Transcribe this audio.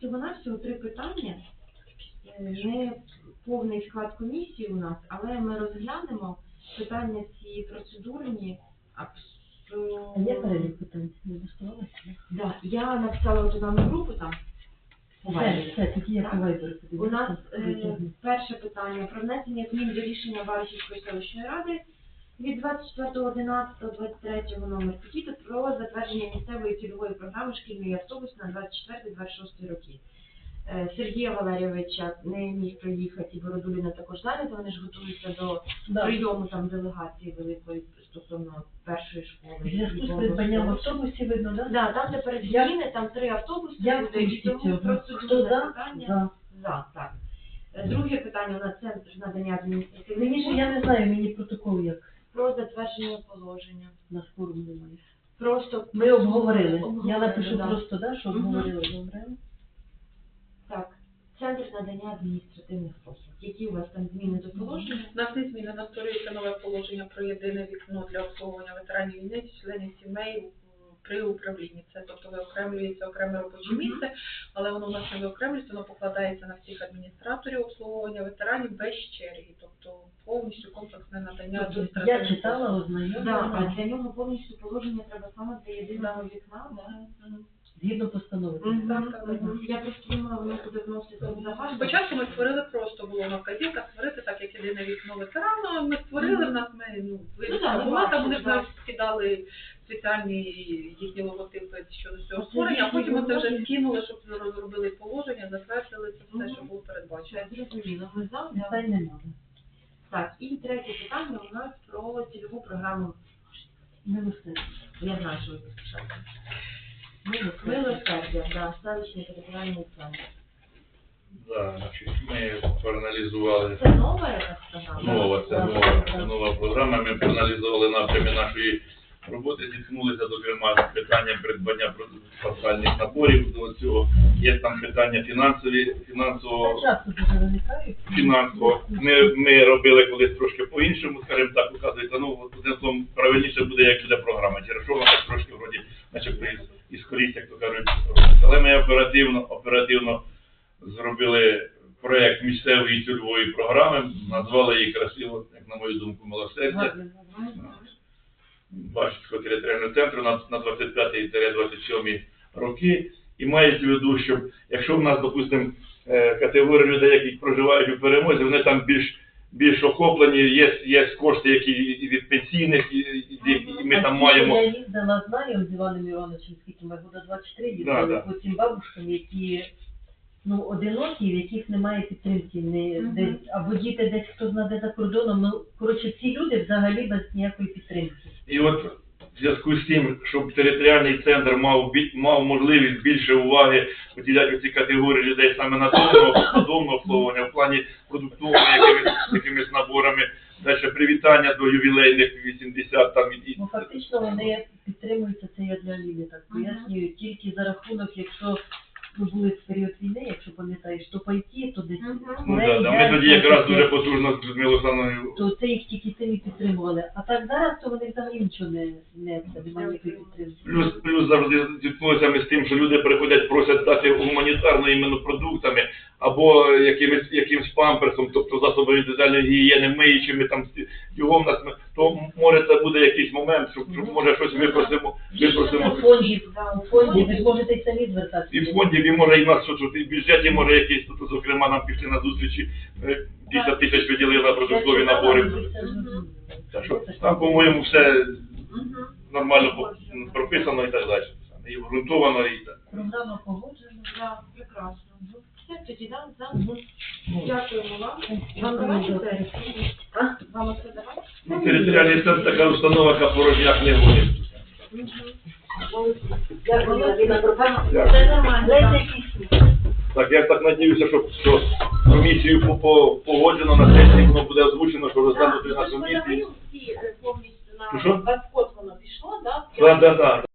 всього-навсього 3 питання. Не повний склад комісії у нас, але ми розглянемо питання ці процедурні. А є перелік питань? Не влаштувалася? Да, я написала туди на групу там. Все, тоді я по вайберу. У нас перше питання про внесення змін до рішення Баришівської селищної ради від 24.11.23 номер 5 про затвердження місцевої цільової програми шкільний автобус на 24-26 роки. Сергія Валерійовича не міг приїхати, і Бородуліна також зайнята, вони ж готуються до прийому там делегації великої стосовно першої школи. В зв'язку з придбанням автобусів видно, так? Да, там тепер зміни, там 3 автобуси буде, і тому процедурне питання. За, так. Друге питання у нас центр надання адміністративних послуг. Я не знаю, мені протокол як. Про затвердження положення. На форум немає. Просто ми обговорили. Я напишу просто, що обговорили. Добре. Так. Центр надання адміністративних послуг. Які у вас там зміни до положення? У нас не зміни, у нас створюється нове положення про єдине вікно для обслуговування ветеранів війни, членів сімей при управлінні. Це, тобто, виокремлюється окреме робоче місце, але воно у нас не виокремлюється, воно покладається на всіх адміністраторів обслуговування ветеранів без черги, тобто повністю комплексне надання адміністративних послуг. Я читала, ознайомлена. А для нього повністю положення треба саме для єдиного вікна, Згідно постанови. Я просто думала, воно буде вносити в загальну. Спочатку ми створили просто, було на вказівках створити, так як єдине вікно ветерана, ми створили, в нас вивіска була, там вони навіть скидали спеціальні їхні логотипи щодо цього створення, а потім ми це вже скинули, щоб розробили положення, затвердили це все, що було передбачено. Зрозуміло, ми за. Питань немає. Так, і третє питання у нас про цільову програму. Милосердя. Я знаю, що ви поспішаєте. Милосердя, да, селищний територіальний центр. Да, значить, ми проаналізували. Це нова якась програма? Це нова програма. Ми проаналізували напрями нашої роботи, зіткнулися, зокрема, з питанням придбання спеціальних наборів до цього. Є там питання фінансового. Ми робили колись трошки по-іншому, скажімо так, указується, одним правильніше буде, як буде програма. Через що вона так трошки вроді, начебто, і скорість, як то кажуть, робиться. Але ми оперативно зробили проєкт місцевої цільової програми, назвали її красиво, як на мою думку, «Милосердя». Баришівського територіального центру на 25-27 роки. І мається в виду, що якщо в нас, допустимо, категорія людей, які проживають у Перемозі, вони там більш охоплені, є кошти, які від пенсійних, і ми там маємо... Я їздила, знаю, з Іваном Івановичем, скільки ми года 24 їздили, по цим бабушкам, які одинокі, в яких немає підтримки, або діти десь, хто знає за кордоном, коротше, ці люди взагалі без ніякої підтримки. І от в зв'язку з тим, щоб територіальний центр мав можливість більше уваги поділяти ці категорії людей саме на додомне обслуговування, в плані продуктового якимись наборами, далі привітання до ювілейних 80 там і... Фактично вони підтримуються, це я для Аліни так пояснюю, тільки за рахунок, якщо були в період війни, якщо пам'ятаєш, то пайки, то десь... Ми тоді якраз дуже потужно з Людмилою Олександровною... То це їх тільки цим і підтримували. А так зараз, то вони взагалі нічого не немає підтримки. Плюс завжди зіткнулися ми з тим, що люди приходять, просять дати гуманітарно іменно продуктами, або якимсь памперсом, тобто засобами індивідуальної гігієни, миючими, там, його в нас, то може це буде якийсь момент, що може щось випросимо. У фонді, ви зможете й самі звертатися. І в фонді, і може і в нас, і в бюджеті може якийсь, тут, зокрема, нам пішли на зустрічі, 50 тисяч виділили на продуктові набори. Так що там, по-моєму, все нормально прописано і так далі. І обґрунтовано, і так. Програма погоджена, так, прекрасно. Все, тоді дякуємо вам. Вам давайте? Вам оце давайте? Територіальний центр така установа, яка порожняк не гонить. Це нормально. Так, я так надіюся, що комісію погоджено, на сесії воно буде озвучено, що розглянути на комісії. Повністю на 20 воно пішло, так? Так.